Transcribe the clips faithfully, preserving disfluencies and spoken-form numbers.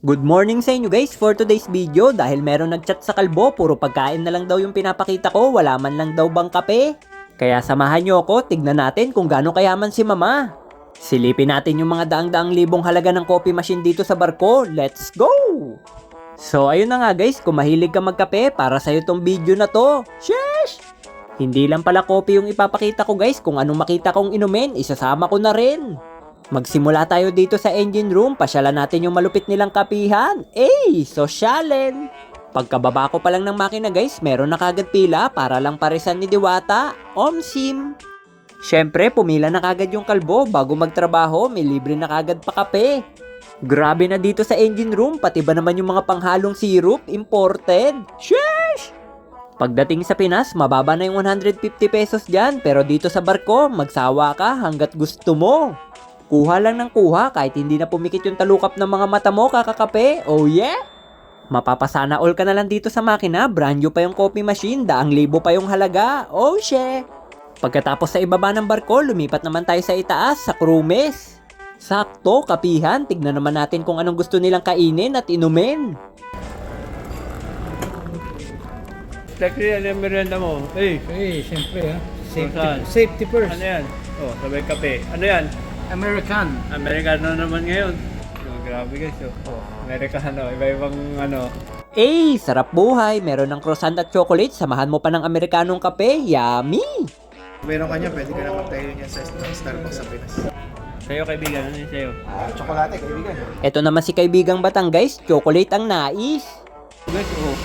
Good morning sa inyo guys for today's video. Dahil meron nagchat sa kalbo, puro pagkain na lang daw yung pinapakita ko, wala man lang daw bang kape. Kaya samahan nyo ako, tignan natin kung gaano kayaman si mama. Silipin natin yung mga daang-daang libong halaga ng coffee machine dito sa barko. Let's go! So ayun na nga guys, kung mahilig ka magkape, para sa'yo tong video na to. Sheesh! Hindi lang pala coffee yung ipapakita ko guys, kung anong makita kong inumin, isasama ko na rin. Magsimula tayo dito sa engine room, pasyalan natin yung malupit nilang kapihan. Eh, sosyalen! Pagkababa ko pa lang ng makina guys, meron na kagad pila para lang parisan ni Diwata, Omsim. Syempre, pumila na kagad yung kalbo, bago magtrabaho, may libre na kagad pa kape. Grabe na dito sa engine room, pati ba naman yung mga panghalong syrup, imported? Sheesh! Pagdating sa Pinas, mababa na yung one hundred fifty pesos dyan, pero dito sa barko, magsawa ka hanggat gusto mo. Kuha lang ng kuha kahit hindi na pumikit yung talukap ng mga mata mo kakakape. Oh yeah! Mapapasana all ka na lang dito sa makina, brand new pa yung coffee machine, daang libo pa yung halaga. Oh shit! Pagkatapos sa ibaba ng barko, lumipat naman tayo sa itaas, sa crew mess. Sakto, kapihan, tignan naman natin kung anong gusto nilang kainin at inumin. Siyempre, ano yung merienda mo? Eh, Eh, siyempre ha. Safety, Saan? safety first. ano yan? Oh, sabay kape. Ano yan? American. Americano naman ngayon. Oh, grabe guys. Oh, oh Americano. Iba-ibang ano. Eh, sarap buhay, meron ng croissant at chocolate, samahan mo pa ng Amerikanong kape, yummy! Meron ka niya, pwede ka na magtayo niya sa Starbucks sa Pinas. Sa'yo kaibigan, ano yun sa'yo? Ah, tsokolate, kaibigan. Eto naman si kaibigang Batang guys, chocolate ang nais. Guys, oh.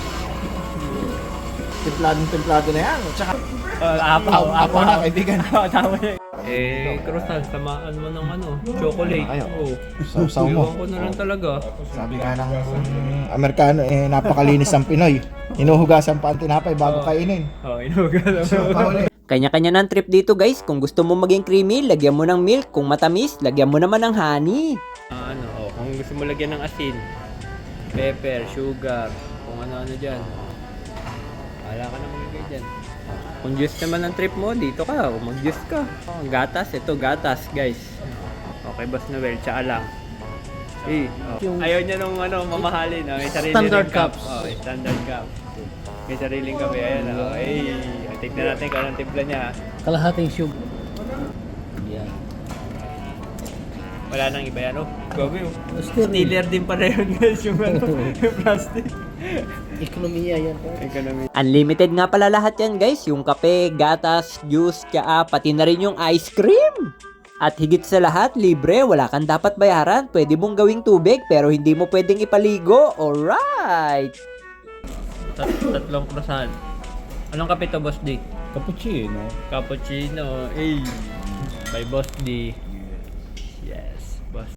Templadong-templado na yan. Tsaka, Uh, apaw, apaw na, kaibigan. Tama yun. Eh, croissant, tamaan mo ng ano, chocolate. Ayaw. Oh. Sausaw mo. Iwan ko na lang talaga. Sabi nga ng Amerikano, eh, napakalinis ang Pinoy. Hinuhugasan pa ang tinapay bago kainin. Oh, inuga lang. So, pauli. Kanya-kanya ng trip dito guys, kung gusto mo maging creamy, lagyan mo ng milk, kung matamis, lagyan mo naman ng honey. Ah, ano, oh, kung gusto mo lagyan ng asin, pepper, sugar, kung ano-ano dyan. Wala ka na magigay dyan. Kung juice naman ang trip mo, dito ka, o mag-juice ka. Oh, gatas, ito gatas guys. Okay, Boss Noel, tsaka lang. Eh, oh. Ayaw niya nung ano, mamahalin. Oh, may sarili Standard ring cup. cups. Oh, may standard cup. May sariling kape. Ayan, oh. Eh, tignan natin kung anong timpla niya. Kalahating sugar. Yan. Wala nang iba yan, oh. Gabi, oh. Still, Steeler din pala yun guys, yung ano, yung plastic. ekonomiya yan. Economy. Unlimited nga pala lahat yan guys, yung kape, gatas, juice, tsaa, pati na rin yung ice cream. At higit sa lahat, libre, wala kang dapat bayaran, pwede mong gawing tubig pero hindi mo pwedeng ipaligo, alright! Tat tatlong croissant. Anong kape to, Boss D? Cappuccino. Cappuccino. Eh, by Boss D. Yes, Boss